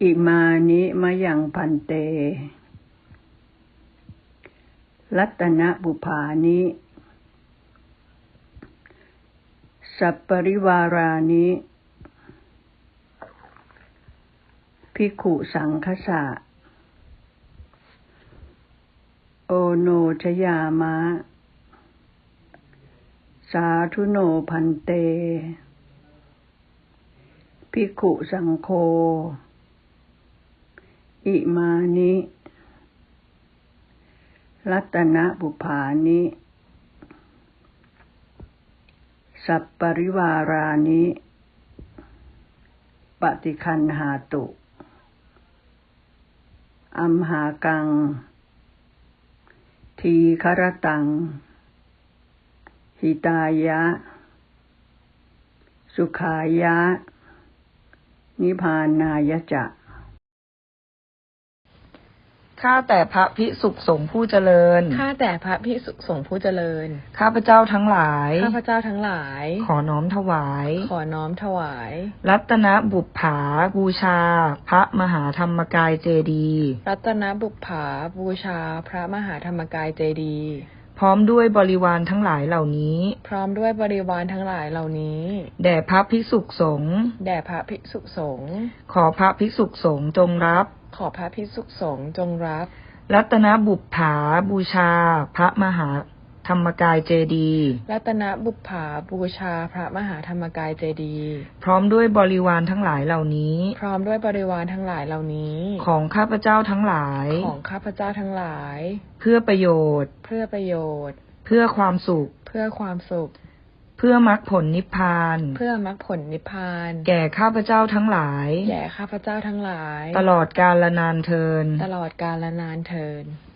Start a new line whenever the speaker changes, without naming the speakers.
อิมานิมะยังพันเตรัตนบุภานิสัปปริวารานิภิกขุสังฆสะโอโนชยามะสาธุโนพันเตภิกขุสังโฆอิมานิรัตนบุภานิสัปปริวารานิปฏิคันหาตุอัมหากังทีฆรตังหิตายะสุขายะนิพพานายะจะ
ข้าแต่พระภิกษุสงฆ์ผู้เจริญ
ข้าแต่พระภิกษุสงฆ์ผู้เจริญ
ข้าพเจ้าทั้งหลาย
ข้าพเจ้าทั้งหลาย
ขอน้อมถวาย
ขอน้อมถวาย
รัตนบุปผาบูชาพระมหาธรรมกายเจดีย์
รัตนบุปผาบูชาพระมหาธรรมกายเจดีย์
พร้อมด้วยบริวารทั้งหลายเหล่านี้
พร้อมด้วยบริวารทั้งหลายเหล่านี้
แด่พระภิกษุสงฆ์
แด่พระภิกษุสงฆ์
ขอพระภิกษุสงฆ์จงรับ
ขอพระภิกษุสงฆ์จงรับ
รัตนบุปผาบูชาพระมหาธรรมกายเจดีย์
รัตนบุปผาบูชาพระมหาธรรมกายเจดีย์
พร้อมด้วยบริวารทั้งหลายเหล่านี้
พร้อมด้วยบริวารทั้งหลายเหล่านี้
ของข้าพเจ้าทั้งหลาย
ของข้าพเจ้าทั้งหลาย
เพื่อประโยชน์
เพื่อประโยชน์
เพื่อความสุข
เพื่อความสุข
เพื่อมรรคผลนิพพาน
เพื่อมรรคผลนิพพาน
แก่ข้าพเจ้าทั้งหลาย
แก่ข้าพเจ้าทั้งหลาย
ตลอดกาลนานเทอญ
ตลอดกาลนานเทอญ